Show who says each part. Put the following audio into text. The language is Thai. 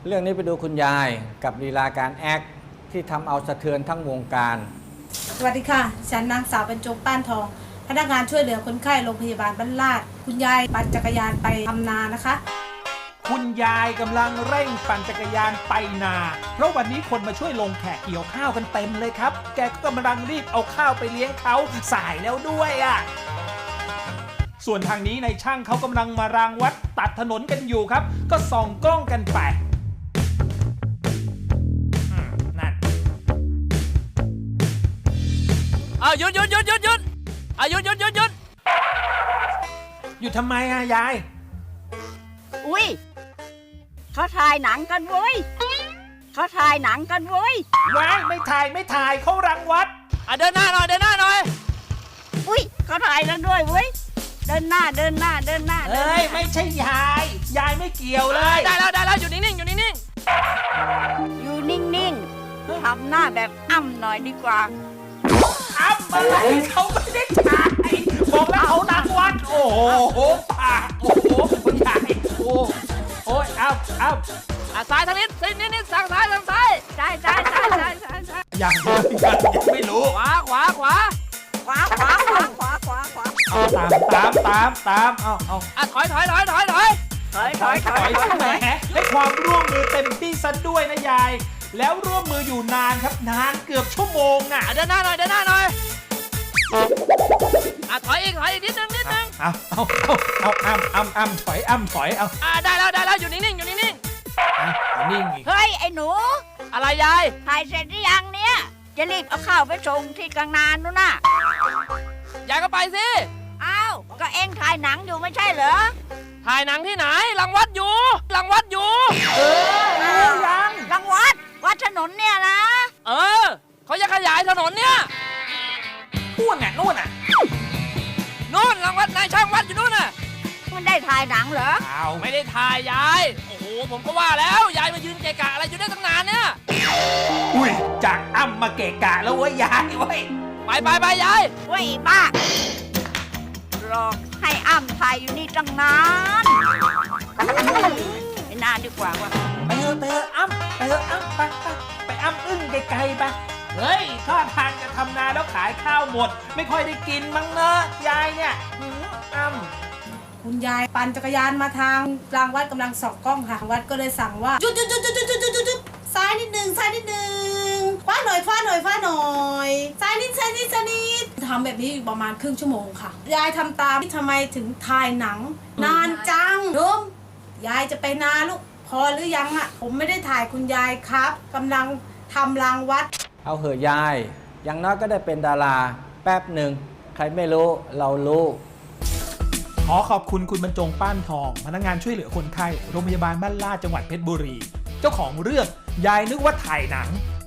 Speaker 1: เรื่องนี้ไปดูคุณยายกับลีลาการแอคที่ทำเอาสะเทือนทั้งวงการ
Speaker 2: สวัสดีค่ะ ฉันนางสาวบรรจงป้านทองพนักงานช่วยเหลือคนไข้โรงพยาบาลบ้านลาดคุณยายปั่นจักรยานไปทำนานะคะ
Speaker 3: คุณยายกำลังเร่งปั่นจักรยานไปนา เพราะวันนี้คนมาช่วยลงแขกเกี่ยวข้าวกันเต็มเลยครับ แกก็กำลังรีบเอาข้าวไปเลี้ยงเขาสายแล้วด้วยอ่ะ ส่วนทางนี้ในช่างเขากำลังมารางวัดตัดถนนกันอยู่ครับ ก็ส่องกล้องกันไปนั่น
Speaker 4: เอาหยุดเอาหยุด
Speaker 3: อยู่ทำไมอะยาย
Speaker 5: อุ้ยเขาถ่ายหนังกันเว้ยเขาถ่ายหนังกันเว้ย
Speaker 3: ว้ายไม่ถ่ายเขารังวัด
Speaker 4: เดินหน้าหน่อย
Speaker 5: อุ้ยเขาถ่ายแล้วด้วยเว้ยเดินหน้า
Speaker 3: เอ้ยไม่ใช่ยายไม่เกี่ยวเลย
Speaker 4: ได้แล้วอยู่นิ่งๆ
Speaker 5: อยู่นิ่งๆทำหน้าแบบอ้ำหน่อยดีกว่า
Speaker 3: อ้ำอะไรเขาไม่ได้ถ่ายบอกแล้วเขารังวัดโอ้โหปากโอ้โหคุณยายโอ้ยอ้ำ
Speaker 4: ซ้ายทางนิดนิดสั่งซ้าย
Speaker 5: ใช่
Speaker 3: ยังไม่รู้
Speaker 4: ขวา
Speaker 5: ขวา
Speaker 3: เอาตามเอา
Speaker 4: ถอย
Speaker 5: ถอย
Speaker 3: แหมให้ความร่วมมือเต็มที่ซะด้วยนะยาย แล้วร่วมมืออยู่นานครับนานเกือบชั่วโมงน่ะ
Speaker 4: เดินหน้าหน่อยถอยอีกนิดนึง
Speaker 3: เอาอ้ำถอยเอา
Speaker 4: ได้แล้วอยู่นิ่ง
Speaker 3: นิ่งอีก
Speaker 5: เฮ้ยไอ้หนู
Speaker 4: อะไรยาย
Speaker 5: ถ่ายเสร็จหรือยังเนี่ยจะรีบเอาข้าวไปส่งที่กลางนานู่นน่ะ
Speaker 4: ยายก็ไปสิ
Speaker 5: อ้าวก็เอ็งถ่ายหนังอยู่ไม่ใช่เหรอ
Speaker 4: ถ่ายหนังที่ไหนรังวัดอยู่
Speaker 5: รางวัดวัดถนนเนี่ยนะ
Speaker 4: เขาจะขยายถนนเนี่ย
Speaker 3: นู่นน่ะ
Speaker 4: นู่นรังวัดนายช่างวัดอยู่นู่นน่ะ
Speaker 5: มันได้ถ่ายหนังเหรอ
Speaker 3: เอา
Speaker 4: ไม่ได้ถ่ายยายโอ้โหผมก็ว่าแล้วยายมายืนเกะกะอะไรอยู่ได้ตั้งนานเนี่ย
Speaker 3: อุ้ยจากอ้ำมาเกะกะแล้วเว้ยยายเว้ย
Speaker 4: ไปยาย
Speaker 5: เว้ยบ้าหลอกให้อ้ำถ่ายอยู่นี่ตั้งนานไม่นานดีกว่าว่ะ
Speaker 3: ไปเถอะอ้ำไปอ้ำอึ้งไกลๆไปเฮ้ยท่าทางจะทำนาแล้วขายข้าวหมด ไม่ค่อยได้กินมั้งเนอะยายเนี่ยอ้ำ
Speaker 2: คุณยายปั่นจักรยานมาทางรางวัดกำลังส่องกล้องค่ะวัดก็เลยสั่งว่าหยุดซ้ายนิดนึงขวาหน่อยซ้ายนิดซ้ายนิดทำแบบนี้อยู่ประมาณครึ่งชั่วโมงค่ะ ยายทำตามทำไมถึงถ่ายหนัง นานจังโยมยายจะไปนาลูกพอหรือยังอ่ะผมไม่ได้ถ่ายคุณยายครับกำลังทำรางวัด
Speaker 1: เอาเหอะยายอย่างน้อยก็ได้เป็นดาราแป๊บหนึ่งใครไม่รู้เรารู้
Speaker 3: ขอขอบคุณคุณบรรจงป้านทองพนักงานช่วยเหลือคนไข้โรงพยาบาลบ้านลาดจังหวัดเพชรบุรี เจ้าของเรื่องยายนึกว่าถ่ายหนัง